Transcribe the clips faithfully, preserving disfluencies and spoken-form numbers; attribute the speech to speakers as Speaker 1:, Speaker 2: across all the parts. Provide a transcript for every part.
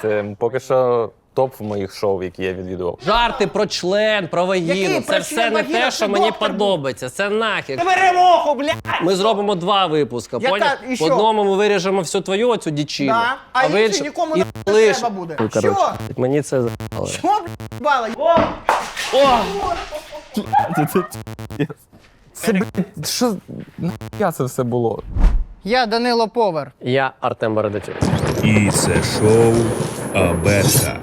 Speaker 1: Це поки що топ в моїх шоу, які я відвідував.
Speaker 2: Жарти про член, про вагіну.
Speaker 3: Який
Speaker 2: Це
Speaker 3: про
Speaker 2: все
Speaker 3: член,
Speaker 2: не
Speaker 3: вагіна?
Speaker 2: те,
Speaker 3: Це
Speaker 2: що мені
Speaker 3: доктор був.
Speaker 2: подобається. Це нахер.
Speaker 3: Ти бери моху, блядь!
Speaker 2: Ми зробимо два випуска,
Speaker 3: Яка-
Speaker 2: поняв?
Speaker 3: і
Speaker 2: В
Speaker 3: що?
Speaker 2: одному ми виріжемо всю твою оцю дічину.
Speaker 3: Да. А,
Speaker 2: в
Speaker 3: інші
Speaker 2: іншому-
Speaker 3: нікому
Speaker 2: і
Speaker 3: не
Speaker 2: лиш-
Speaker 3: треба буде.
Speaker 2: Ну,
Speaker 3: Що?
Speaker 2: коротше, мені це за***ли.
Speaker 3: Що, блядь, бала?
Speaker 1: Це, блядь, що нахуя це все було?
Speaker 3: Я Данило Повар.
Speaker 2: Я Артем Бородачук.
Speaker 4: І це шоу Абетка.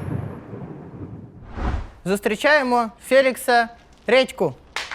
Speaker 3: Зустрічаємо Фелікса Редьку.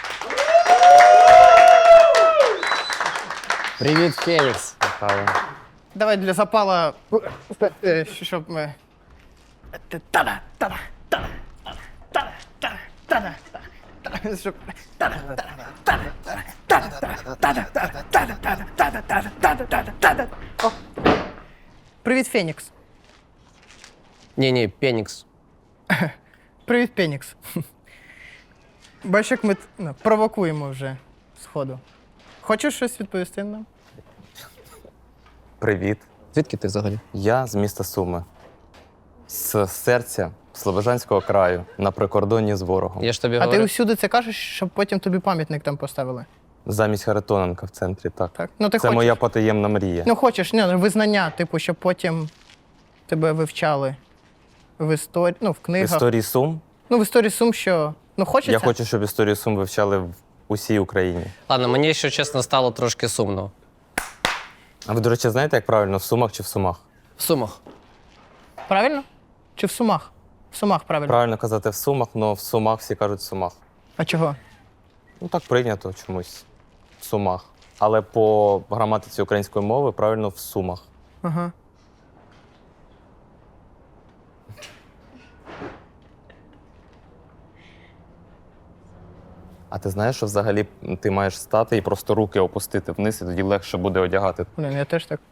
Speaker 2: Привіт, Фелікс.
Speaker 3: Давай для запала, е, щоб ми... Та-да, та-да, та-да, та-да, та-да, та-да, та-да, щоб... Та-да, та-да, та-да, та-да, та-да, та-да, та-да, та-да, та-да, та-да, та-да, та-да, та-да. О. Привіт, Фенікс.
Speaker 2: Ні-ні, Пенікс.
Speaker 3: Привіт, Пенікс. Бачиш, як ми ну, провокуємо вже сходу. Хочеш щось відповісти нам?
Speaker 1: Привіт.
Speaker 2: Звідки ти взагалі?
Speaker 1: Я з міста Суми. З серця Слобожанського краю, на прикордонні з ворогом.
Speaker 2: Я ж тобі
Speaker 3: А ти
Speaker 2: говорю.
Speaker 3: усюди це кажеш, щоб потім тобі пам'ятник там поставили?
Speaker 1: Замість Харитоненка в центрі, так.
Speaker 3: Так? Ну, ти
Speaker 1: Це
Speaker 3: хочеш.
Speaker 1: моя потаємна мрія.
Speaker 3: Ну, хочеш, ні, ну, визнання, типу, щоб потім тебе вивчали в історії, ну, в
Speaker 1: В
Speaker 3: книгах.
Speaker 1: історії Сум.
Speaker 3: Ну, в історії Сум, що. Ну, хочеться.
Speaker 1: Я хочу, щоб історію Сум вивчали в усій Україні.
Speaker 2: Ладно, мені, якщо чесно, стало трошки сумно.
Speaker 1: А ви, до речі, знаєте, як правильно, в Сумах чи в Сумах?
Speaker 2: В Сумах.
Speaker 3: Правильно? Чи в Сумах? В Сумах, правильно.
Speaker 1: Правильно казати в Сумах, але в Сумах всі кажуть в Сумах.
Speaker 3: А чого?
Speaker 1: Ну так прийнято чомусь. В Сумах. Але по граматиці української мови правильно в Сумах.
Speaker 3: Ага.
Speaker 1: А ти знаєш, що взагалі ти маєш стати і просто руки опустити вниз, і тоді легше буде одягати.
Speaker 3: Блін, я теж так.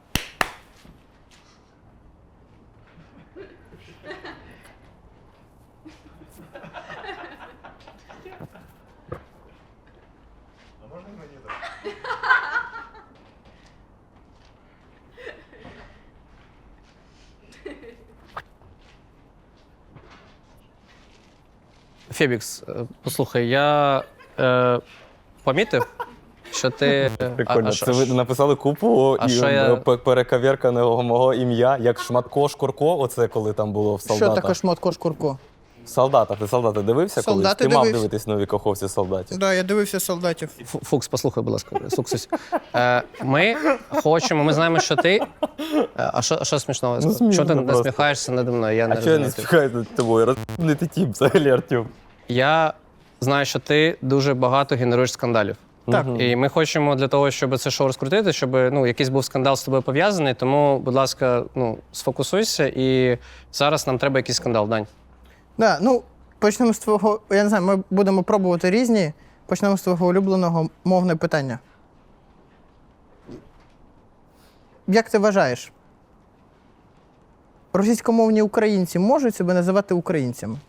Speaker 2: Фебікс, е, послухай, я е, помітив, що ти. е,
Speaker 1: Прикольно.
Speaker 2: а- а що-
Speaker 1: Це ви написали купу
Speaker 2: А
Speaker 1: і
Speaker 2: що я-
Speaker 1: п- перекавірканого мого ім'я, як Шматко Шкурко, оце коли там було в
Speaker 3: Що
Speaker 1: солдатах.
Speaker 3: таке шмотко шкурко?
Speaker 1: В солдатах. Ти солдати дивився колись?
Speaker 3: Солдати
Speaker 1: Ти мав
Speaker 3: дивився.
Speaker 1: дивитись нові коховці солдатів.
Speaker 3: Так, да, я дивився солдатів.
Speaker 2: Фу- Фукс, послухай, будь ласка, Суксусь. Е, ми хочемо, ми знаємо, що ти. Е, А що, а що смішного? я сказав?
Speaker 1: смішно
Speaker 2: Чого ти
Speaker 1: просто.
Speaker 2: насміхаєшся наді мною? Я не
Speaker 1: А чого я не
Speaker 2: розумію.
Speaker 1: спіхаюся над тобою? Розумний ти тіп взагалі, Артем.
Speaker 2: Я знаю, що ти дуже багато генеруєш скандалів.
Speaker 3: Так.
Speaker 2: І ми хочемо для того, щоб це шоу розкрутити, щоб ну, якийсь був скандал з тобою пов'язаний. Тому, будь ласка, ну, сфокусуйся. І зараз нам треба якийсь скандал, Дань.
Speaker 3: Да, ну, почнемо з твого. Я не знаю, ми будемо пробувати різні. Почнемо з твого улюбленого мовне питання. Як ти вважаєш, російськомовні українці можуть себе називати українцями?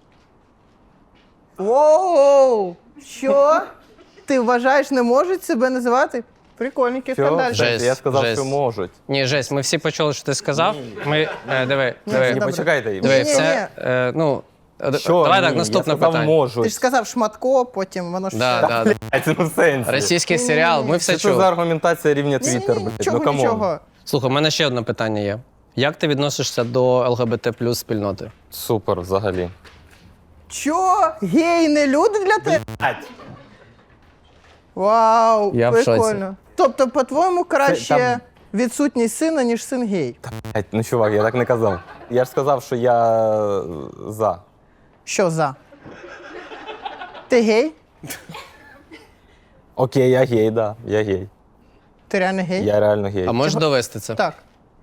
Speaker 3: Воу! Що? Ти вважаєш, не можуть себе називати? Прикольненький
Speaker 1: Що?
Speaker 3: скандаль.
Speaker 2: Жесть.
Speaker 1: Я сказав,
Speaker 2: жесть.
Speaker 1: що можуть.
Speaker 2: Ні, Жесть, ми всі почули, що ти сказав. Ми, е, диви, диви,
Speaker 1: Ні,
Speaker 3: добре.
Speaker 1: почекайте.
Speaker 2: диви,
Speaker 3: Ні, ні,
Speaker 2: це, е, ну, е, д-
Speaker 1: Що?
Speaker 2: давай
Speaker 1: Ні,
Speaker 2: так, наступне
Speaker 1: я сказав,
Speaker 2: питання.
Speaker 1: можуть.
Speaker 3: Ти ж сказав шматко, потім воно ж.
Speaker 2: Да,
Speaker 3: все.
Speaker 2: да, да.
Speaker 1: А це ну в сенсі.
Speaker 2: Російський серіал, ми все
Speaker 1: Що це за
Speaker 2: чули.
Speaker 1: аргументація рівня
Speaker 3: Ні, ні,
Speaker 1: Твіттер,
Speaker 3: ні,
Speaker 1: блядь?
Speaker 3: нічого,
Speaker 1: Ну камон.
Speaker 3: нічого.
Speaker 2: Слухай, у мене ще одне питання є. Як ти відносишся до ЛГБТ плюс спільноти?
Speaker 1: Супер, взагалі.
Speaker 3: Чо? Гей не люди для тебе? Вау,
Speaker 2: Я в шоці.
Speaker 3: прикольно. Тобто, по-твоєму, краще
Speaker 1: там-
Speaker 3: відсутність сина, ніж син гей.
Speaker 1: Блядь, ну чувак, я так не казав. Я ж сказав, що я е, за.
Speaker 3: Що за? Ти гей?
Speaker 1: Окей, я гей, да. Я гей.
Speaker 3: Ти реально гей?
Speaker 1: Я реально гей.
Speaker 2: А можеш довести це?
Speaker 3: Так.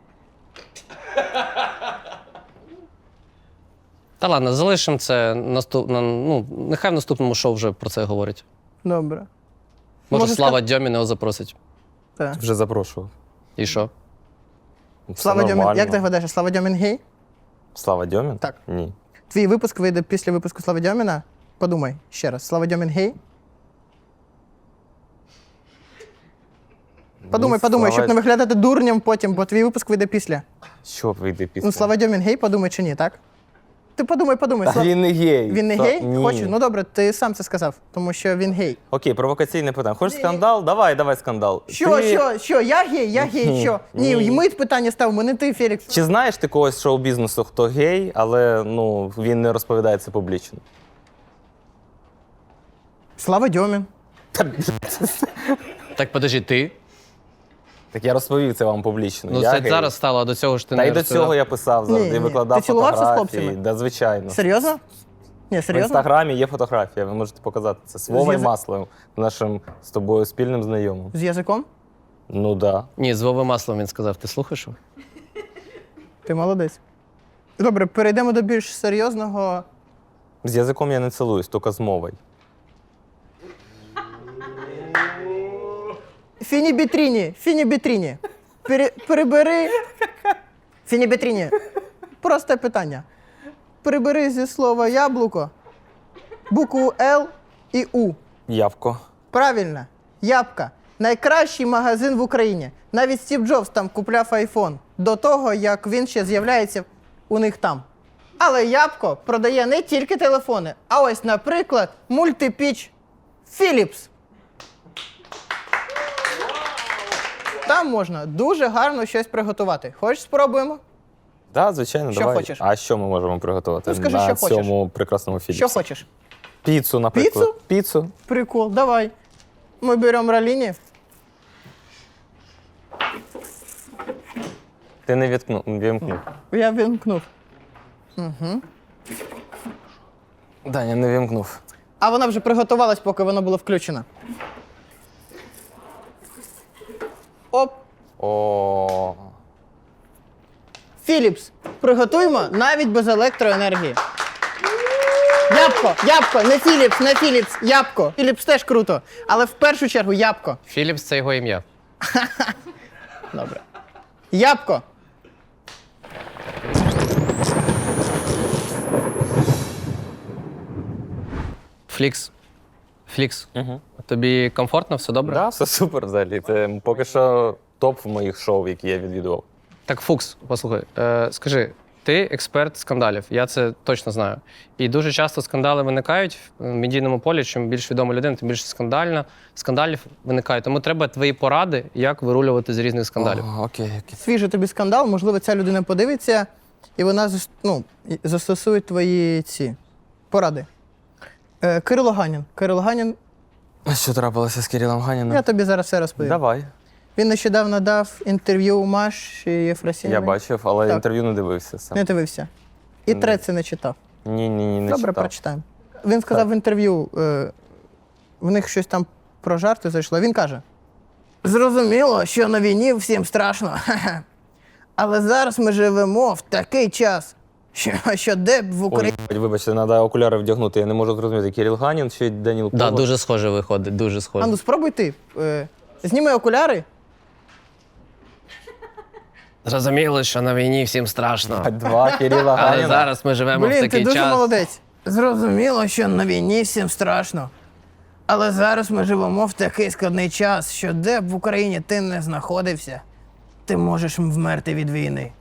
Speaker 2: Та ладно, залишимо це наступ... на- ну, нехай в наступному шоу вже про це говорять.
Speaker 3: Добре.
Speaker 2: Може,
Speaker 3: Може,
Speaker 2: Слава Дьомін його запросить.
Speaker 3: Так.
Speaker 1: Вже запрошував.
Speaker 2: І що?
Speaker 1: Все
Speaker 3: Слава Дьомін.
Speaker 1: нормально.
Speaker 3: Як ти гадаєш, Слава Дьомін гей?
Speaker 1: Слава Дьомін?
Speaker 3: Так.
Speaker 1: Ні.
Speaker 3: Твій випуск вийде після випуску Слави Дьоміна? Подумай ще раз. Слава Дьомін гей? Подумай,
Speaker 1: Ну,
Speaker 3: подумай,
Speaker 1: Слава-
Speaker 3: щоб не виглядати дурням потім, бо твій випуск вийде після.
Speaker 1: Що вийде після?
Speaker 3: Ну, Слава Дьомін гей, подумай чи ні, так? Ти подумай, подумай.
Speaker 1: Та
Speaker 3: Слав-
Speaker 1: він не гей.
Speaker 3: Він не
Speaker 1: Та-
Speaker 3: гей?
Speaker 1: Ні.
Speaker 3: Хочу. Ну добре, ти сам це сказав, тому що він гей.
Speaker 1: Окей, провокаційне питання. Хочеш скандал? Давай, давай скандал.
Speaker 3: Що,
Speaker 1: Ти-
Speaker 3: що, що? Я гей, я гей,
Speaker 1: Ні,
Speaker 3: що? Ні,
Speaker 1: ні.
Speaker 3: ми питання ставимо, не ти, Фелікс.
Speaker 1: Чи знаєш ти когось з шоу-бізнесу, хто гей, але ну, він не розповідає це публічно?
Speaker 3: Слава Дьомін.
Speaker 2: Так подожди, ти?
Speaker 1: Так я розповів це вам публічно.
Speaker 2: Ну
Speaker 1: я
Speaker 2: це
Speaker 1: гей.
Speaker 2: зараз стало, а до цього ж ти
Speaker 1: Та
Speaker 2: не
Speaker 1: й до
Speaker 2: розповідав.
Speaker 1: цього я писав завжди,
Speaker 3: Ні, ні.
Speaker 1: викладав
Speaker 3: Ти цілувався з
Speaker 1: фотографії.
Speaker 3: хлопцями?
Speaker 1: Да, звичайно.
Speaker 3: Серйозно? Ні,
Speaker 1: В
Speaker 3: серйозно?
Speaker 1: інстаграмі є фотографія, ви можете показати це. З Вовою
Speaker 3: язик-
Speaker 1: Масловим, нашим з тобою спільним знайомим.
Speaker 3: З язиком?
Speaker 1: Ну да.
Speaker 2: Ні, з Вовою Маслом він сказав. Ти слухаєш? його?
Speaker 3: Ти молодець. Добре, перейдемо до більш серйозного.
Speaker 1: З язиком я не цілуюсь, тільки з мовою.
Speaker 3: Фіні Бітріні, Фіні Бітріні. Пере, перебери. Фіні Бітріні. Просте питання. Прибери зі слова яблуко букву Л і У.
Speaker 1: Явко.
Speaker 3: Правильно. Ябка. Найкращий магазин в Україні. Навіть Стів Джобс там купляв айфон до того, як він ще з'являється у них там. Але Ябко продає не тільки телефони, а ось, наприклад, мультипіч Philips. Там можна дуже гарно щось приготувати. Хочеш, спробуємо?
Speaker 1: Так, да, звичайно,
Speaker 3: Що
Speaker 1: давай.
Speaker 3: хочеш?
Speaker 1: А що ми можемо приготувати
Speaker 3: Ну, скажи,
Speaker 1: на
Speaker 3: що хочеш.
Speaker 1: цьому прекрасному фільмі?
Speaker 3: Що хочеш?
Speaker 1: Піцу, наприклад.
Speaker 3: Піцу?
Speaker 1: Піцу?
Speaker 3: Прикол, давай. Мы берем роллини.
Speaker 1: Ти не відкнув, вімкнув.
Speaker 3: Я вимкнув.
Speaker 1: Даня, не вімкнув.
Speaker 3: А вона вже приготувалась, поки воно було включено. Оп.
Speaker 1: О,
Speaker 3: Philips. Приготуємо навіть без електроенергії. Ябко, ябко, не Philips, не Philips, ябко. Philips теж круто, але в першу чергу ябко.
Speaker 2: Філіпс це його ім'я.
Speaker 3: Добре. Ябко.
Speaker 2: Флікс. Флікс. Угу. Тобі комфортно, все добре?
Speaker 1: да, все супер взагалі. Це поки що топ в моїх шоу, які я відвідував.
Speaker 2: Так, Фукс, послухай, е, скажи, ти експерт скандалів, я це точно знаю. І дуже часто скандали виникають в медійному полі. Чим більш відома людина, тим більше скандальна, скандалів виникає. Тому треба твої поради, як вирулювати з різних скандалів.
Speaker 1: О, окей, окей.
Speaker 3: Свіжий тобі скандал, можливо, ця людина подивиться, і вона зас- ну, і- застосує твої ці поради. Е, Кирило Ганін. Кирило Ганін,
Speaker 1: А що трапилося з Кирилом Ганіним?
Speaker 3: я тобі зараз все розповім.
Speaker 1: Давай.
Speaker 3: Він нещодавно дав інтерв'ю Маші Єфросініної.
Speaker 1: Я бачив, але
Speaker 3: Так.
Speaker 1: інтерв'ю не дивився сам.
Speaker 3: Не дивився. І треці не читав.
Speaker 1: Ні, ні, ні, не
Speaker 3: Добре,
Speaker 1: читав.
Speaker 3: прочитаємо. Він сказав в інтерв'ю, е, в них щось там про жарти зайшло. Він каже: зрозуміло, що на війні всім страшно. Але зараз ми живемо в такий час, що, що де б в
Speaker 1: Ой,
Speaker 3: Україні.
Speaker 1: вибачте, треба окуляри вдягнути. Я не можу зрозуміти, Кирил Ганін чи Даніл
Speaker 2: Да,
Speaker 1: Коваль.
Speaker 2: дуже схоже виходить, дуже схоже.
Speaker 3: А ну спробуй ти. Е, зніми окуляри.
Speaker 2: Зрозуміло, що на війні всім страшно.
Speaker 1: Два Кирила
Speaker 2: Але
Speaker 1: Ганіна.
Speaker 2: зараз ми живемо в
Speaker 3: Блін,
Speaker 2: такий
Speaker 3: ти дуже
Speaker 2: час.
Speaker 3: молодець. Зрозуміло, що на війні всім страшно. Але зараз ми живемо в такий складний час, що де б в Україні ти не знаходився, ти можеш вмерти від війни.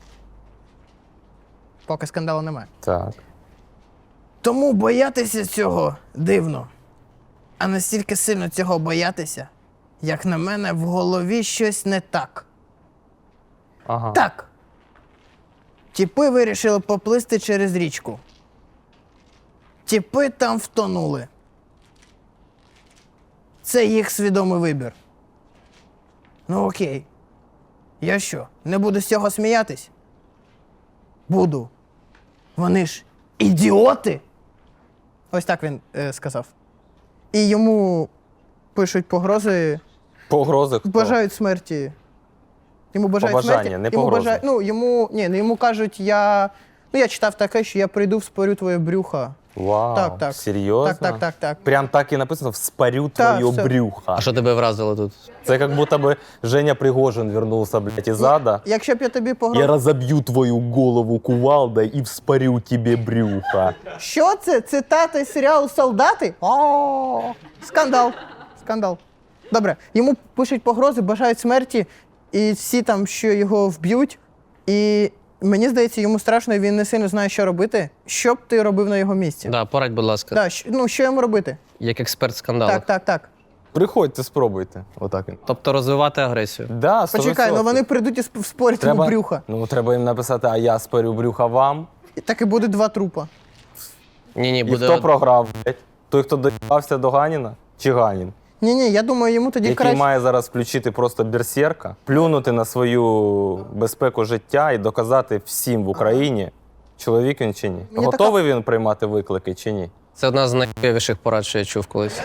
Speaker 3: Поки скандалу немає.
Speaker 1: Так.
Speaker 3: Тому боятися цього дивно. А настільки сильно цього боятися, як на мене, в голові щось не так.
Speaker 1: Ага.
Speaker 3: Так. Тіпи вирішили поплисти через річку. Тіпи там втонули. Це їх свідомий вибір. Ну окей. Я що, не буду з цього сміятись? Буду. Вони ж ідіоти. Ось так він е, сказав. І йому пишуть погрози,
Speaker 1: Погрози хто?
Speaker 3: бажають смерті. Йому бажають
Speaker 1: Побажання,
Speaker 3: смерті.
Speaker 1: не
Speaker 3: йому
Speaker 1: погрози.
Speaker 3: бажають, ну, йому, ні, ну, йому кажуть, я, ну, я читав таке, що я прийду, вспорю твоє брюхо.
Speaker 1: Вау,
Speaker 3: Так, так.
Speaker 1: серйозно?
Speaker 3: Так, так, так, так.
Speaker 1: Прям так і написано «Вспорю
Speaker 3: Так,
Speaker 1: твоє
Speaker 3: все.
Speaker 1: брюхо».
Speaker 2: А що тебе вразило тут?
Speaker 1: Це як будто бы Женя Пригожин вернулся, блядь, из ада.
Speaker 3: Якщо б я тобі
Speaker 1: Я
Speaker 3: погрозив...
Speaker 1: разобью твою голову кувалдой и вспорю тебе брюхо.
Speaker 3: Що це? Цитата із серіалу «Солдати»? О, скандал. Скандал. Добре, йому пишуть погрози, бажають смерті, і всі там, що його вб'ють. І мені здається, йому страшно, і він не сильно знає, що робити. Що б ти робив на його місці?
Speaker 2: Да, порадь, будь ласка,
Speaker 3: Да, що, ну, що йому робити?
Speaker 2: як експерт скандалів.
Speaker 3: Так, так, так.
Speaker 1: Приходьте, спробуйте. Отак він.
Speaker 2: Тобто розвивати агресію.
Speaker 1: Да, сто
Speaker 3: Почекай, ну
Speaker 1: відсотків.
Speaker 3: вони прийдуть і сп- спорять йому
Speaker 1: треба,
Speaker 3: брюха.
Speaker 1: Ну, треба їм написати, а я спорю брюха вам.
Speaker 3: І так і буде два трупа.
Speaker 2: Ні-ні,
Speaker 1: І
Speaker 2: буде.
Speaker 1: хто програв, блядь? Той, хто доїбався до Ганіна? Чи Ганін?
Speaker 3: Ні-ні, я думаю, йому тоді
Speaker 1: Який
Speaker 3: краще.
Speaker 1: має зараз включити просто берсерка, плюнути на свою безпеку життя і доказати всім в Україні, чоловік він чи ні.
Speaker 3: Мені
Speaker 1: Готовий він приймати виклики чи ні?
Speaker 2: Це одна з найвіших порад, що я чув колись.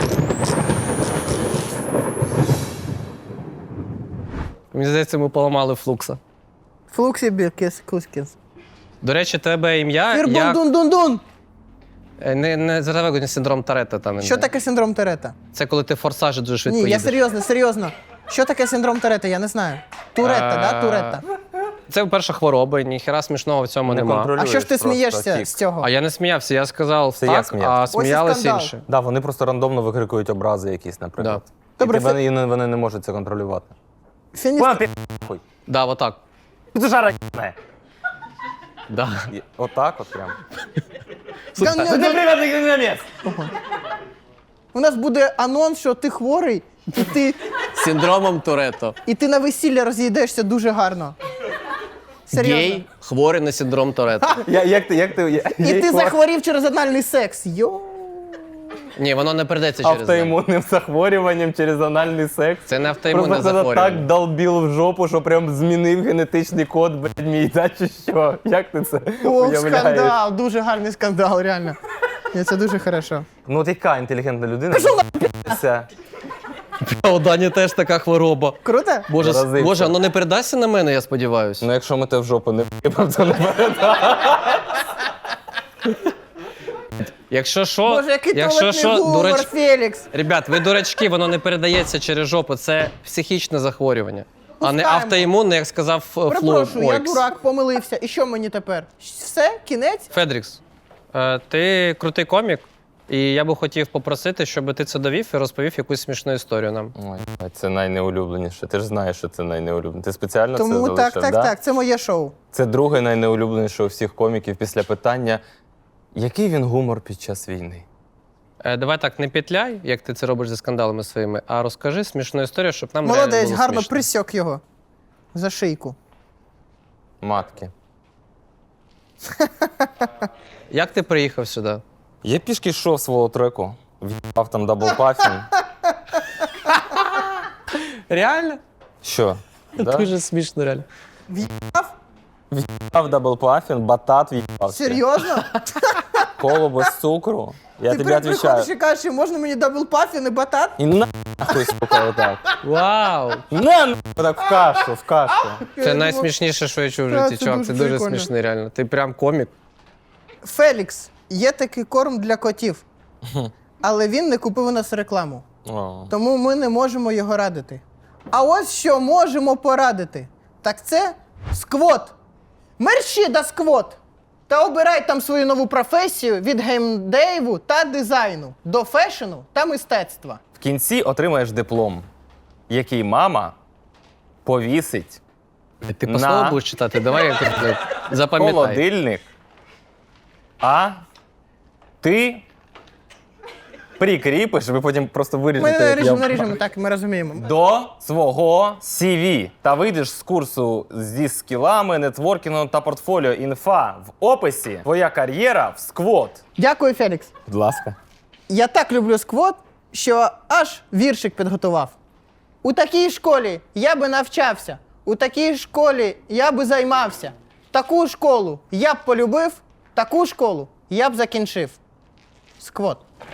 Speaker 2: Мені здається, ми поламали флукса.
Speaker 3: Флуксі Біркіс Кускіс.
Speaker 2: До речі, тебе ім'я.
Speaker 3: Фірбун
Speaker 2: як...
Speaker 3: дун дун дун.
Speaker 2: Е, Не, не заравегоні синдром Торетто там.
Speaker 3: Що
Speaker 2: не.
Speaker 3: таке синдром Торетто?
Speaker 2: Це коли ти форсажі дуже швидко
Speaker 3: Ні, я
Speaker 2: їдеш.
Speaker 3: серйозно, серйозно. Що таке синдром Торетто? Я не знаю. Туретта,
Speaker 2: А,
Speaker 3: да? Туретта.
Speaker 2: Це перша хвороба, ніхера смішного в цьому
Speaker 1: Не
Speaker 2: нема.
Speaker 1: контролюєш
Speaker 3: А що ж ти
Speaker 1: просто
Speaker 3: смієшся
Speaker 1: тік.
Speaker 3: з цього?
Speaker 2: А я не сміявся, я сказав
Speaker 1: Це я
Speaker 2: так,
Speaker 1: сміявся.
Speaker 2: а
Speaker 1: Ось
Speaker 3: і
Speaker 2: сміялись
Speaker 3: скандал.
Speaker 2: інші.
Speaker 1: Да, вони просто рандомно викрикують образи якісь, наприклад.
Speaker 3: Да. Добре,
Speaker 1: і тебе,
Speaker 3: Фе-
Speaker 1: і вони не можуть це контролювати.
Speaker 3: Фініс...
Speaker 1: Вона пі***, хуй.
Speaker 2: Да, отак.
Speaker 1: Ти жара не.
Speaker 2: Да.
Speaker 1: Отак от прям.
Speaker 3: Ган-
Speaker 1: Ти
Speaker 3: ган-
Speaker 1: приватний наміс!
Speaker 3: У нас буде анонс, що ти хворий, і ти,
Speaker 2: Синдромом Торетто.
Speaker 3: і ти на весілля роз'їдешся дуже гарно. Серйозно.
Speaker 2: Гей, хворий на синдром Торетто.
Speaker 1: Я, як ти, як ти, я,
Speaker 3: І
Speaker 1: я-
Speaker 3: ти захворів через анальний секс. Йо.
Speaker 2: Ні, воно не передається через неї.
Speaker 1: автоімунним захворюванням через анальний секс.
Speaker 2: Це не автоімунне
Speaker 1: Просто хтось так
Speaker 2: захворювання.
Speaker 1: долбіл в жопу, що прям змінив генетичний код, блядь, мій, да, чи що? Як ти це
Speaker 3: О,
Speaker 1: уявляєш?
Speaker 3: скандал, дуже гарний скандал, реально. Ні, це дуже хорошо.
Speaker 1: Ну от яка інтелігентна людина? Це
Speaker 2: У Дані теж така хвороба.
Speaker 3: Круто?
Speaker 2: Боже,
Speaker 1: Заразився.
Speaker 2: Боже, воно не передасться на мене, я сподіваюся.
Speaker 1: Ну якщо ми те в жопу не в'їбав, то не передав.
Speaker 2: Якщо що,
Speaker 3: Боже, який
Speaker 2: якщо
Speaker 3: туалетний
Speaker 2: що,
Speaker 3: гумор,
Speaker 2: дурач...
Speaker 3: Фелікс.
Speaker 2: Ребят, ви дурачки, воно не передається через жопу, це психічне захворювання. А не
Speaker 3: Пускаємо.
Speaker 2: автоімунне, як сказав Фло.
Speaker 3: Перепрошую, я
Speaker 2: Ойкс.
Speaker 3: дурак, помилився. І що мені тепер? Все? Кінець?
Speaker 2: Федрікс, е, ти крутий комік, і я би хотів попросити, щоб ти це довів і розповів якусь смішну історію нам.
Speaker 1: Ой, блядь, це найнеулюбленіше. Ти ж знаєш, що це найнеулюбленіше. Ти спеціально це
Speaker 3: Тому
Speaker 1: залишив,
Speaker 3: так, так,
Speaker 1: да?
Speaker 3: так, це моє шоу.
Speaker 1: Це друге найнеулюбленіше у всіх коміків після питання, який він гумор під час війни?
Speaker 2: Е, давай так, не петляй, як ти це робиш зі скандалами своїми, а розкажи смішну історію, щоб нам реально
Speaker 3: Молодець,
Speaker 2: було
Speaker 3: гарно
Speaker 2: смішно.
Speaker 3: присьок його. За шийку.
Speaker 1: Матки.
Speaker 2: Як ти приїхав сюди?
Speaker 1: Я пішки йшов свого треку, в'їбав там даблпафін.
Speaker 2: Реально?
Speaker 1: Що? Да?
Speaker 2: Дуже смішно, реально.
Speaker 1: В'їбав даблпафін, батат в'їбав. ще.
Speaker 3: Серйозно?
Speaker 1: Коло без цукру. Я
Speaker 3: Ти
Speaker 1: тобі
Speaker 3: при-
Speaker 1: відповідаю.
Speaker 3: приходиш і кажеш, що можна мені дабл пафін і батат?
Speaker 1: І нахуй, сука, отак.
Speaker 2: Вау!
Speaker 1: На нахуй, так в кашу, в кашу.
Speaker 2: Це найсмішніше, що я чув в
Speaker 3: Та,
Speaker 2: житті,
Speaker 3: це
Speaker 2: чувак.
Speaker 3: дуже
Speaker 2: Це дуже
Speaker 3: прикольно.
Speaker 2: смішно, реально. Ти прям комік.
Speaker 3: Фелікс, є такий корм для котів, але він не купив у нас рекламу.
Speaker 1: О.
Speaker 3: Тому ми не можемо його радити. А ось що можемо порадити. Так це сквот. Мерщі да сквот. Та обирай там свою нову професію від геймдейву та дизайну до фешену та мистецтва.
Speaker 1: В кінці отримаєш диплом, який мама повісить
Speaker 2: Ти по
Speaker 1: На.
Speaker 2: слову будеш читати? Давай я тут
Speaker 1: в
Speaker 2: запам'ятай.
Speaker 1: холодильник, а ти прикріпиш, ви потім просто
Speaker 3: Ми
Speaker 1: виріжете. як
Speaker 3: наріжемо,
Speaker 1: я-
Speaker 3: наріжемо, так, ми розуміємо.
Speaker 1: До свого сі ві та вийдеш з курсу зі скілами, нетворкінгом та портфоліо. Інфа в описі. Твоя кар'єра в сквот.
Speaker 3: Дякую, Фелікс.
Speaker 1: Будь ласка.
Speaker 3: Я так люблю сквот, що аж віршик підготував. У такій школі я би навчався, у такій школі я би займався. Таку школу я б полюбив, таку школу я б закінчив. Сквот.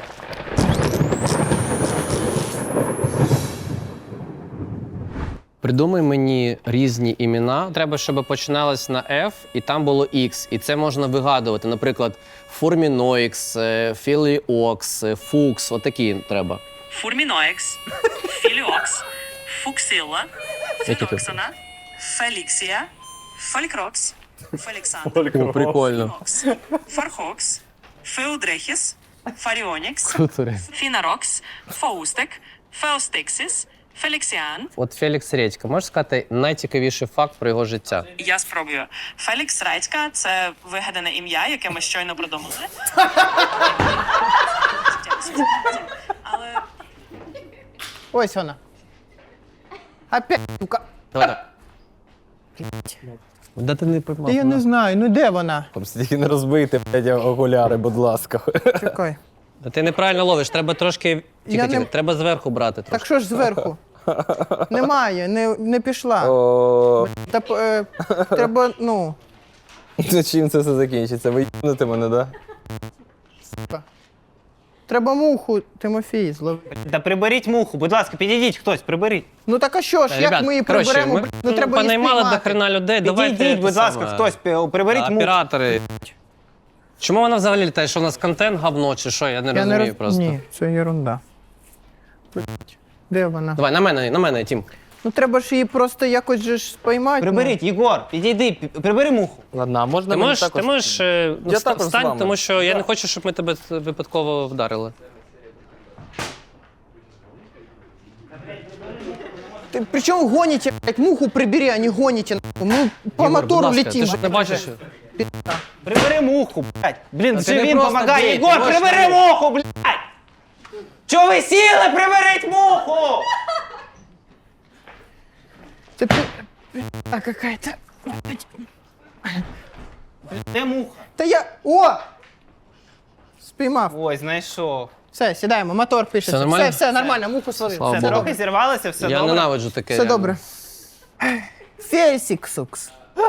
Speaker 2: Придумай мені різні імена. Треба, щоб починалось на F і там було X. І це можна вигадувати. Наприклад, Фурміноікс, Філіокс, Фукс. Отакі треба.
Speaker 5: Фурміноекс, Філіокс, Фуксила,
Speaker 2: Які тут?
Speaker 5: Філоксона, Феліксія, Фолькрокс, Феліксандр,
Speaker 2: О, прикольно.
Speaker 5: Фокс, Фархокс, Феудрехіс, Фаріонікс,
Speaker 2: Круто.
Speaker 5: Фінарокс, Фаустек, Феостиксис, Феліксіан.
Speaker 2: От Фелікс Редька, можеш сказати найцікавіший факт про його життя?
Speaker 5: Я спробую. Фелікс Редька – це вигадане ім'я, яке ми щойно придумали. Але
Speaker 3: Ось вона. Опять, сука.
Speaker 2: Давай, давай. Да ти не поймав.
Speaker 3: Та я не знаю, ну де вона?
Speaker 1: Там стільки не розбийте, блядь, окуляри, будь ласка.
Speaker 3: Чекай.
Speaker 2: Да ти неправильно ловиш, треба трошки. Тільки,
Speaker 3: Я
Speaker 2: тільки.
Speaker 3: не-
Speaker 2: Треба зверху брати трошки.
Speaker 3: Так що ж зверху? Немає, не, не пішла.
Speaker 1: О,
Speaker 3: Та, е, треба, ну,
Speaker 1: ну чим це все закінчиться? Ви їбнете мене, да?
Speaker 3: треба муху, Тимофій, зловити.
Speaker 6: Та приберіть муху, будь ласка, підійдіть хтось, приберіть.
Speaker 3: Ну так а що ж,
Speaker 2: Та,
Speaker 3: як
Speaker 2: ребят,
Speaker 3: ми її
Speaker 2: коротше,
Speaker 3: приберемо?
Speaker 2: ми,
Speaker 3: блін? Ну треба її
Speaker 2: понаймали до
Speaker 3: спіймати.
Speaker 2: хрена людей, давайте.
Speaker 6: Підійдіть, будь
Speaker 2: це
Speaker 6: ласка,
Speaker 2: саме.
Speaker 6: хтось, пі- приберіть
Speaker 2: Та,
Speaker 6: муху.
Speaker 2: Оператори. Чому вона взагалі літає? Що у нас контент говно чи що? Я не
Speaker 3: Я
Speaker 2: розумію
Speaker 3: не роз...
Speaker 2: просто.
Speaker 3: Ні, це ерунда. Де вона?
Speaker 2: Давай, на мене, на мене, Тім.
Speaker 3: Ну треба ж її просто якось же ж спіймати.
Speaker 6: Приберіть, Єгор, підійди, пі- прибери муху.
Speaker 1: Ладно, а можна
Speaker 2: Ти
Speaker 1: мені
Speaker 2: можеш,
Speaker 1: також?
Speaker 2: ти можеш е, ну,
Speaker 1: Я
Speaker 2: вста-
Speaker 1: також з
Speaker 2: встань,
Speaker 1: вами.
Speaker 2: тому що я не хочу, щоб ми тебе випадково вдарили.
Speaker 3: Ти, причому гоніте, блядь, муху прибери, а не гоніте. нахуй. Ми по
Speaker 2: Єгор, будь
Speaker 3: мотору
Speaker 2: ласка,
Speaker 3: летим.
Speaker 2: Ти ж не бачиш?
Speaker 6: Прибери муху, блядь. Блін,
Speaker 2: Та
Speaker 6: вже
Speaker 2: ти не
Speaker 6: він
Speaker 2: просто
Speaker 6: помагає.
Speaker 2: бій, ти
Speaker 6: Єгор,
Speaker 2: можеш
Speaker 6: прибери
Speaker 2: навіть.
Speaker 6: муху, блядь! Чого ви сіли? Приберіть муху!
Speaker 3: Це пи- А какая-то.
Speaker 6: Де муха?
Speaker 3: Та я. О! Спіймав.
Speaker 6: Ой, знайшов.
Speaker 3: Все, сідаємо, мотор пишеться.
Speaker 2: Все нормально?
Speaker 3: Все, все нормально, муху словив.
Speaker 2: Слава
Speaker 3: Все,
Speaker 2: Богу.
Speaker 3: добре.
Speaker 6: Трохи зірвалося, все
Speaker 2: Я
Speaker 6: добре.
Speaker 2: ненавиджу таке.
Speaker 3: Все
Speaker 2: реально.
Speaker 3: добре. Фельсіксукс.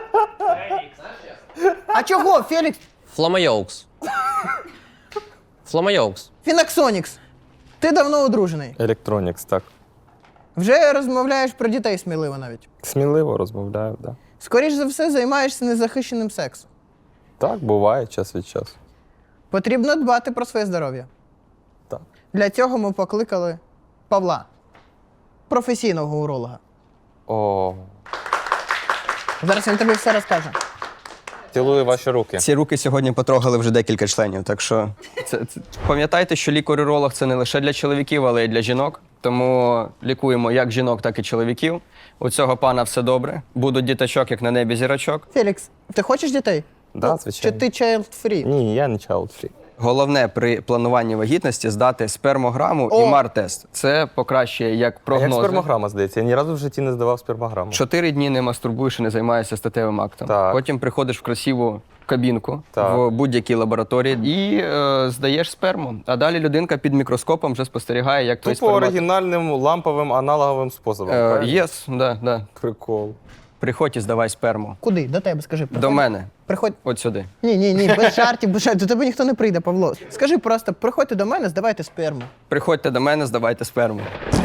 Speaker 3: А чого, Фелікс?
Speaker 2: Фламайоукс. Фламайоукс.
Speaker 3: Фінаксонікс. Ти давно одружений.
Speaker 1: Електронікс, так.
Speaker 3: Вже розмовляєш про дітей сміливо навіть.
Speaker 1: Сміливо розмовляю, да.
Speaker 3: Скоріш за все, займаєшся незахищеним сексом.
Speaker 1: Так, буває час від часу.
Speaker 3: Потрібно дбати про своє здоров'я.
Speaker 1: Так.
Speaker 3: Для цього ми покликали Павла, професійного уролога.
Speaker 1: О,
Speaker 3: Зараз він тобі все розкаже.
Speaker 1: цілую ваші руки.
Speaker 7: Ці руки сьогодні потрогали вже декілька членів. Так що це, це... пам'ятайте, що лікар-уролог це не лише для чоловіків, але й для жінок. Тому лікуємо як жінок, так і чоловіків. У цього пана все добре. Будуть діточок, як на небі зірочок.
Speaker 3: Фелікс, ти хочеш дітей?
Speaker 1: Да,
Speaker 3: Чи
Speaker 1: звичайно.
Speaker 3: ти child-free?
Speaker 1: Ні, я не child free.
Speaker 7: Головне при плануванні вагітності здати спермограму
Speaker 3: О!
Speaker 7: і мар-тест. Це покращує як
Speaker 1: А як
Speaker 7: прогнози.
Speaker 1: спермограма, здається? Я ні разу в житті не здавав спермограму.
Speaker 7: Чотири дні не мастурбуєш і не займаєшся статевим актом.
Speaker 1: Так.
Speaker 7: Потім приходиш в красиву кабінку
Speaker 1: Так.
Speaker 7: в будь-якій лабораторії і е, здаєш сперму. А далі людинка під мікроскопом вже спостерігає, як той
Speaker 1: Тупо
Speaker 7: спермат...
Speaker 1: оригінальним ламповим аналоговим способом.
Speaker 7: Е,
Speaker 1: правильно?
Speaker 7: Єс, да, да.
Speaker 1: Прикол.
Speaker 7: Приходь і здавай сперму.
Speaker 3: Куди? До тебе, скажи.
Speaker 7: До
Speaker 3: Приходь.
Speaker 7: мене.
Speaker 3: Приходь.
Speaker 7: От сюди.
Speaker 3: Ні, ні, ні, без жартів, без жартів. До тебе ніхто не прийде, Павло. Скажи просто, приходьте до мене, здавайте сперму.
Speaker 7: Приходьте до мене, здавайте сперму.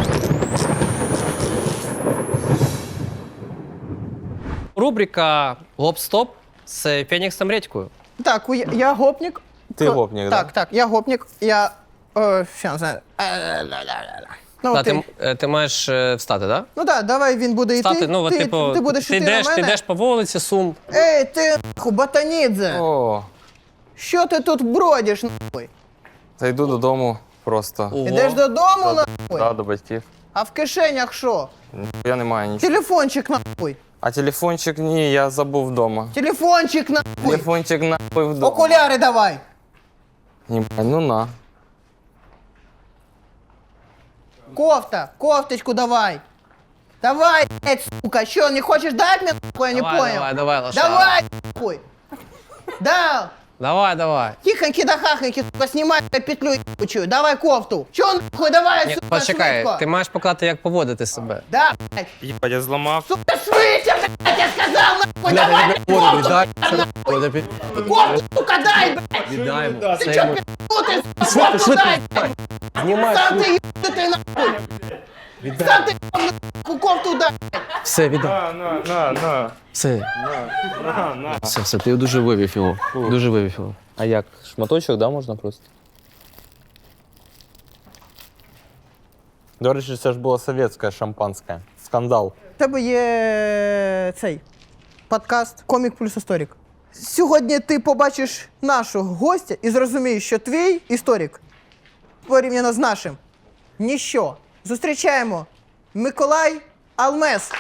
Speaker 2: Рубрика Гоп-стоп з Феніксом Редькою.
Speaker 3: Так, у- я гопнік.
Speaker 1: Ти
Speaker 3: Ко-
Speaker 1: гопнік, да?
Speaker 3: Так, так, я гопнік. Я. О, що, не знаю. Ну,
Speaker 2: Та,
Speaker 3: ти,
Speaker 2: ти, е, ти маєш е, встати, так?
Speaker 3: ну так, давай він буде йти.
Speaker 2: Встати, ну, от,
Speaker 3: ти,
Speaker 2: типу,
Speaker 3: ти будеш
Speaker 2: ти
Speaker 3: йти
Speaker 2: йдеш,
Speaker 3: на
Speaker 2: ти
Speaker 3: мене.
Speaker 2: йдеш по вулиці, сум.
Speaker 3: Ей, ти нахуй, Ботанідзе!
Speaker 1: О,
Speaker 3: Що ти тут бродиш, нахуй?
Speaker 1: та йду додому просто.
Speaker 2: Ого.
Speaker 3: Ідеш додому,
Speaker 1: Да,
Speaker 3: нахуй?
Speaker 1: до батьків.
Speaker 3: А в кишенях що?
Speaker 1: Я не маю нічого.
Speaker 3: Телефончик, нахуй.
Speaker 1: А телефончик ні, я забув вдома.
Speaker 3: Телефончик, нахуй.
Speaker 1: Телефончик нахуй вдома.
Speaker 3: Окуляри давай.
Speaker 1: Ні, ну на.
Speaker 3: Кофта, кофточку давай. Давай, блядь, сука, что, не хочешь дать мне, нахуй, я не
Speaker 2: Давай,
Speaker 3: понял?
Speaker 2: давай, давай, лошара.
Speaker 3: Давай, нахуй. Да,
Speaker 2: Давай, давай.
Speaker 3: тихоньки да хахоньки, сука, снимай эту петлю ебучую. Давай кофту. Чё, нахуй, давай,
Speaker 2: Ні,
Speaker 3: сука,
Speaker 2: почекай,
Speaker 3: швидко.
Speaker 2: ти маєш показати, як поводити себе.
Speaker 3: Да, блядь,
Speaker 1: Єбать, я зламав.
Speaker 3: сука, швидше, блядь, я сказал, нахуй, давай, кофту, кофту, сука, дай, блядь.
Speaker 2: Віддаємо.
Speaker 3: Ты чё, пи***й, сука, кофту дай, блядь.
Speaker 2: Знімай.
Speaker 3: Сам ты ебанутый, нахуй. Сам ты ебанутый, кофту дай.
Speaker 2: Все, віддай.
Speaker 1: На, на, на, на.
Speaker 2: Все. Все, все, ти дуже вивів його. Дуже вивів його.
Speaker 1: А як? Шматочок, да, можна просто? До речі, це ж було совєтське шампанське. Скандал.
Speaker 3: У тебе є цей подкаст Комік плюс історик. Сьогодні ти побачиш нашого гостя і зрозумієш, що твій історик порівняно з нашим ніщо. Зустрічаємо Миколай Алмес.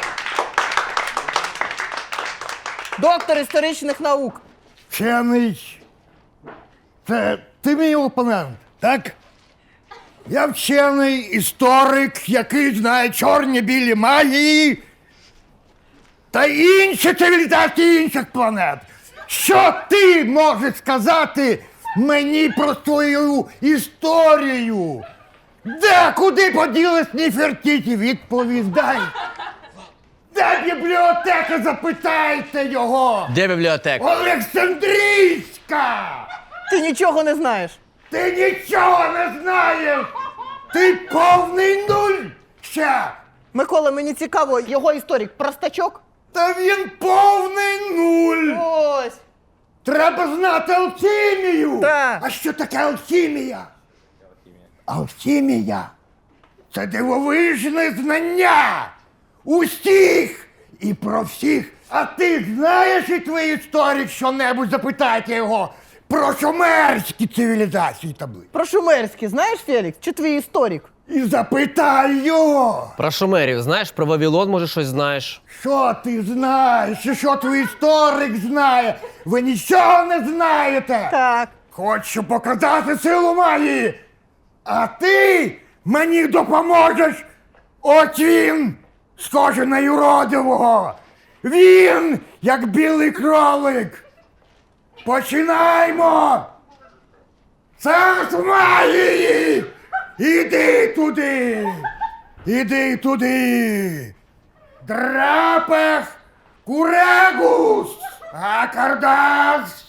Speaker 3: Доктор історичних наук.
Speaker 8: Вчений. Це ти мій опонент, так? Я вчений історик, який знає чорні білі магії та інші цивілізації інших планет. Що ти можеш сказати мені про свою історію? Де, куди поділись Нефертіті? Відповідай. Де бібліотека? Запитайте його!
Speaker 6: Де бібліотека?
Speaker 8: Олександрійська!
Speaker 3: Ти нічого не знаєш.
Speaker 8: Ти нічого не знаєш! Ти повний нуль ще!
Speaker 3: Микола, мені цікаво, його історик простачок?
Speaker 8: Та він повний нуль!
Speaker 3: Ось.
Speaker 8: Треба знати алхімію!
Speaker 3: Так.
Speaker 8: А що таке алхімія? Алхімія – це дивовижне знання усіх і про всіх. А ти знаєш і твій історик що-небудь, запитайте його про шумерські цивілізації таблиць.
Speaker 3: Про шумерські знаєш, Фелікс? Чи твій історик?
Speaker 8: І запитай його,
Speaker 6: Про шумерів знаєш? Про Вавилон, може, щось знаєш?
Speaker 8: що ти знаєш, і що твій історик знає. Ви нічого не знаєте.
Speaker 3: Так.
Speaker 8: Хочу показати силу магії. А ти мені допоможеш. От він, схожий на юродивого. Він, як білий кролик. Починаймо. Царс магії. Іди туди. Іди туди. Драпех курегус. Акардас.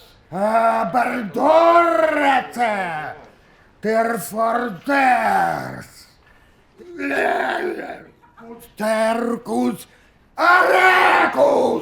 Speaker 8: Бердорете. Терфордерс. Теркус. Арекус.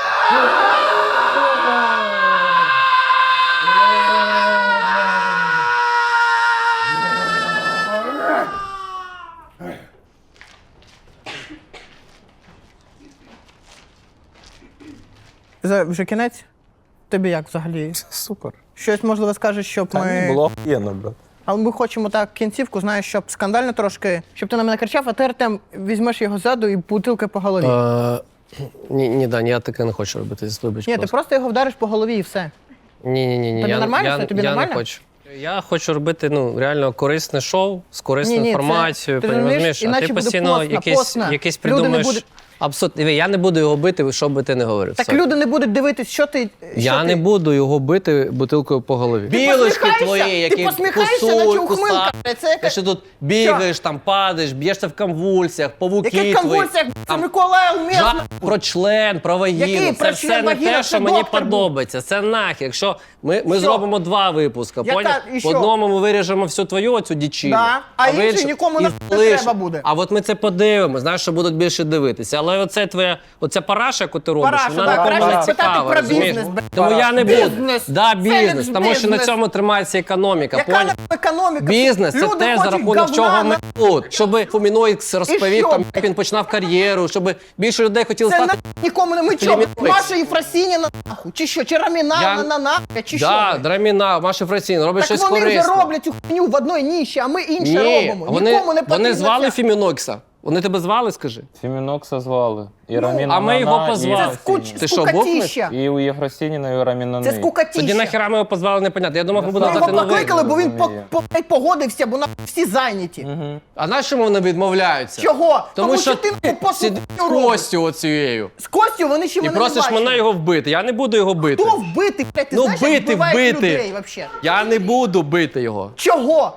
Speaker 3: Це вже кінець? Тобі як взагалі?
Speaker 1: Супер.
Speaker 3: Щось, можливо, скажеш, щоб
Speaker 1: Та
Speaker 3: ми...
Speaker 1: ні, було охуєнно, брат.
Speaker 3: Але ми хочемо так кінцівку, знаєш, щоб скандально трошки, щоб ти на мене кричав, а ти, Артем, візьмеш його ззаду і бутилкою по голові.
Speaker 2: Е, ні, ні, Даня, я таке не хочу робити. Вибач,
Speaker 3: Ні, ти
Speaker 2: просто.
Speaker 3: просто його вдариш по голові і все.
Speaker 2: Ні, ні, ні, ні.
Speaker 3: Тобі
Speaker 2: я,
Speaker 3: нормально
Speaker 2: я,
Speaker 3: все? Тобі
Speaker 2: я
Speaker 3: нормально?
Speaker 2: не хочу. Я хочу робити ну реально корисне шоу з корисною
Speaker 3: Ні, ні, це-
Speaker 2: інформацією.
Speaker 3: ти
Speaker 2: розумієш?
Speaker 3: розумієш,
Speaker 2: А
Speaker 3: іначе
Speaker 2: ти
Speaker 3: буде
Speaker 2: постійно
Speaker 3: постно,
Speaker 2: якийсь,
Speaker 3: постно.
Speaker 2: якийсь
Speaker 3: Люди не
Speaker 2: придумаєш.
Speaker 3: будуть-
Speaker 2: Абсолютно. Диви, я не буду його бити, що би ти не говорив.
Speaker 3: Так
Speaker 2: Все.
Speaker 3: люди не будуть дивитись, що ти.
Speaker 2: Я
Speaker 3: що
Speaker 2: не
Speaker 3: ти...
Speaker 2: буду його бити бутилкою по голові.
Speaker 6: Білочки
Speaker 3: посміхаєшся?
Speaker 6: твої,
Speaker 3: Ти
Speaker 6: які
Speaker 3: посміхаєшся,
Speaker 6: кусують,
Speaker 3: наче ухмилка.
Speaker 6: кусають.
Speaker 3: Це яка-
Speaker 6: Ти що тут бігаєш, там падаєш, б'єшся в конвульсіях, павуки
Speaker 3: Яких
Speaker 6: твої.
Speaker 3: конвульсіях? Це
Speaker 6: Там
Speaker 3: Микола Алмес.
Speaker 6: жа- про член, про
Speaker 3: Який
Speaker 6: вагіну.
Speaker 3: про
Speaker 6: Це
Speaker 3: член,
Speaker 6: все не
Speaker 3: вагіна?
Speaker 6: те,
Speaker 3: Це
Speaker 6: що мені
Speaker 3: доктор був.
Speaker 6: подобається. Це нахер. Якщо ми, ми
Speaker 3: Що?
Speaker 6: зробимо два випуска,
Speaker 3: Яка-
Speaker 6: поняв?
Speaker 3: і
Speaker 6: В
Speaker 3: що?
Speaker 6: одному ми виріжемо всю твою оцю дічину.
Speaker 3: Да, а
Speaker 6: в
Speaker 3: інший
Speaker 6: іншому-
Speaker 3: нікому
Speaker 6: і
Speaker 3: не
Speaker 6: залиш-
Speaker 3: треба буде.
Speaker 6: А от ми це подивимося, знаєш, що будуть більше дивитися. Але оце твоя, оця параша, яку ти робиш,
Speaker 3: Параша,
Speaker 6: вона
Speaker 3: так,
Speaker 6: нікому
Speaker 3: краще
Speaker 6: не
Speaker 3: спитати
Speaker 6: цікава.
Speaker 3: про
Speaker 6: розумієш?
Speaker 3: бізнес, бля.
Speaker 6: Тому я не буду.
Speaker 3: Бізнес.
Speaker 6: Да, бізнес.
Speaker 3: Фелікс,
Speaker 6: Тому що на
Speaker 3: бізнес.
Speaker 6: цьому тримається економіка.
Speaker 3: Яка
Speaker 6: поняв?
Speaker 3: нахуй економіка?
Speaker 6: Бізнес це
Speaker 3: Люди
Speaker 6: те, за
Speaker 3: хочуть
Speaker 6: рахунок
Speaker 3: говна
Speaker 6: чого ми
Speaker 3: на-
Speaker 6: тут. Щоб Фуміноїкс розповів,
Speaker 3: що?
Speaker 6: там, як він починав кар'єру, щоб більше людей хотіли
Speaker 3: Це
Speaker 6: стати.
Speaker 3: на нікому не ми чого?
Speaker 6: Філіміноплекс.
Speaker 3: Маша Єфросініна нахуй? Чи що? Чи Раміна
Speaker 6: Я-
Speaker 3: на, на нахуй? Чи
Speaker 6: Да,
Speaker 3: що?
Speaker 6: Драміна, Маша Фрацін, робить
Speaker 3: Так
Speaker 6: щось
Speaker 3: вони вже
Speaker 6: корисне.
Speaker 3: роблять цю хуйню в одній ніші, а ми інше
Speaker 6: Ні,
Speaker 3: робимо.
Speaker 6: вони,
Speaker 3: Нікому не потрібно
Speaker 6: вони звали
Speaker 3: ця-
Speaker 6: Фімінокса. Вони тебе звали, скажи?
Speaker 1: Фімінокса звали. І
Speaker 3: Ну,
Speaker 1: Раміна
Speaker 6: а ми його
Speaker 1: Нана, і
Speaker 6: позвали.
Speaker 3: Це
Speaker 1: Єфросініна.
Speaker 3: скуч...
Speaker 6: Ти що,
Speaker 3: скукатіща.
Speaker 1: І у Єфросініна, і у Рамінани.
Speaker 3: Це скукатіща.
Speaker 6: Тоді нахіра ми його позвали, непонятно. Я думав, ми
Speaker 3: Ми
Speaker 6: будемо
Speaker 3: його
Speaker 6: дати новий.
Speaker 3: покликали, бо він по,
Speaker 1: розумію.
Speaker 3: по, погодився, бо на всі зайняті.
Speaker 6: А на чому вони відмовляються?
Speaker 3: Чого?
Speaker 6: Тому, що
Speaker 3: ти
Speaker 6: ти
Speaker 3: по
Speaker 6: сидиш з Костю оцією.
Speaker 3: З Костю вони ще
Speaker 6: І
Speaker 3: мене
Speaker 6: просиш
Speaker 3: не бачили.
Speaker 6: мене його вбити. Я не буду його бити.
Speaker 3: Хто вбити? Блядь, ти
Speaker 6: Ну,
Speaker 3: знаєш, як
Speaker 6: бити,
Speaker 3: вбивають
Speaker 6: вбити.
Speaker 3: людей вообще?
Speaker 6: Я не буду бити його.
Speaker 3: Чого?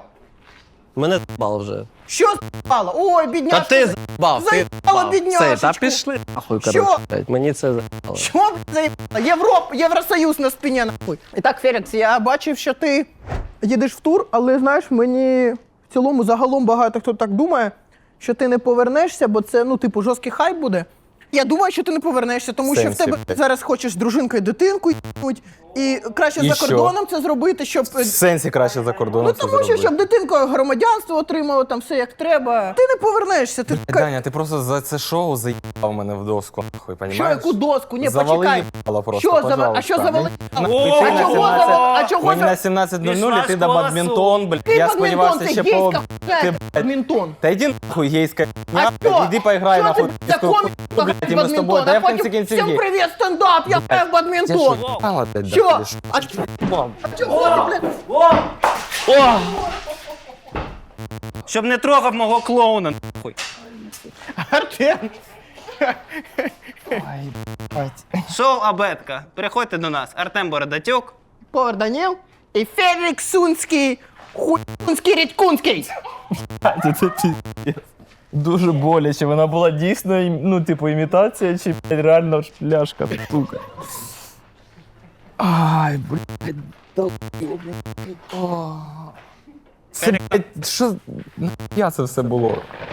Speaker 6: Мене з**бало вже.
Speaker 3: Що з***ало? Ой,
Speaker 6: Та
Speaker 3: бідняшка.
Speaker 6: ти з**бав, ти
Speaker 3: Заїбало
Speaker 6: з**бав.
Speaker 3: бідняшечку.
Speaker 6: Все, та пішли нахуй,
Speaker 3: Що?
Speaker 6: коротше. блядь, Мені це з**бало.
Speaker 3: Що б заїбало? Європ, Євросоюз на спині нахуй. І так, Фелікс, я бачив, що ти їдеш в тур, але знаєш, мені в цілому загалом багато хто так думає, що ти не повернешся, бо це, ну, типу, жорсткий хайп буде. Я думаю, що ти не повернешся, тому що в
Speaker 1: Сенсі,
Speaker 3: тебе
Speaker 1: блядь.
Speaker 3: зараз хочеш з дружинкою дитинку їбнуть, І краще
Speaker 1: І
Speaker 3: за
Speaker 1: що?
Speaker 3: кордоном це зробити, щоб.
Speaker 1: В сенсі краще за кордоном
Speaker 3: Ну
Speaker 1: це
Speaker 3: тому що
Speaker 1: зробити.
Speaker 3: щоб дитинка громадянство отримала, там все як треба. Ти не повернешся. Ти ка-
Speaker 1: Даня, ти просто за це шоу заїбав мене в доску, нахуй,
Speaker 3: що
Speaker 1: понімаєш?
Speaker 3: яку доску? Ні,
Speaker 1: Завали
Speaker 3: почекай.
Speaker 1: їбало просто,
Speaker 3: Що завали? А
Speaker 1: пожалуйста.
Speaker 3: що завали?
Speaker 1: Мені-
Speaker 3: А
Speaker 1: Мені на
Speaker 3: чого
Speaker 1: сімнадцять
Speaker 3: завали? А чого
Speaker 1: Мені
Speaker 3: за-
Speaker 1: на сімнадцять нуль нуль і ти до
Speaker 6: школа
Speaker 1: бадмінтон, блядь.
Speaker 3: Ти
Speaker 1: Я
Speaker 3: бадмінтон,
Speaker 1: сподівався
Speaker 3: це
Speaker 1: ще по...
Speaker 3: гейська
Speaker 1: Ти,
Speaker 3: хуйня,
Speaker 1: блядь,
Speaker 3: бадмінтон.
Speaker 1: Та йди нахуй, гейська
Speaker 3: А
Speaker 1: хуйня,
Speaker 3: що?
Speaker 1: блядь, іди поіграй
Speaker 3: Що
Speaker 1: нахуй.
Speaker 3: ти за комік
Speaker 1: блядь, і ми з тобою,
Speaker 3: бадмінтон,
Speaker 1: дай
Speaker 3: а
Speaker 1: в кінці
Speaker 3: потім
Speaker 1: кінців
Speaker 3: всім
Speaker 1: гей.
Speaker 3: привіт, стендап, я граю в бадмінтон.
Speaker 1: Мало, блядь,
Speaker 3: Що?
Speaker 1: доходиш.
Speaker 3: А чого ти, блядь?
Speaker 6: Щоб не трогав мого клоуна. нахуй.
Speaker 3: Артем.
Speaker 6: Шоу Абетка. Приходьте до нас. Артем Бородатюк.
Speaker 3: Повар Даніл і Фелікс Сунський, хуйський Рідькунський.
Speaker 1: Дуже боляче, вона була дійсно, ну, типу, імітація чи блядь, реально шляшка, сука. Ай, блядь, Це, блядь, що, я це все було?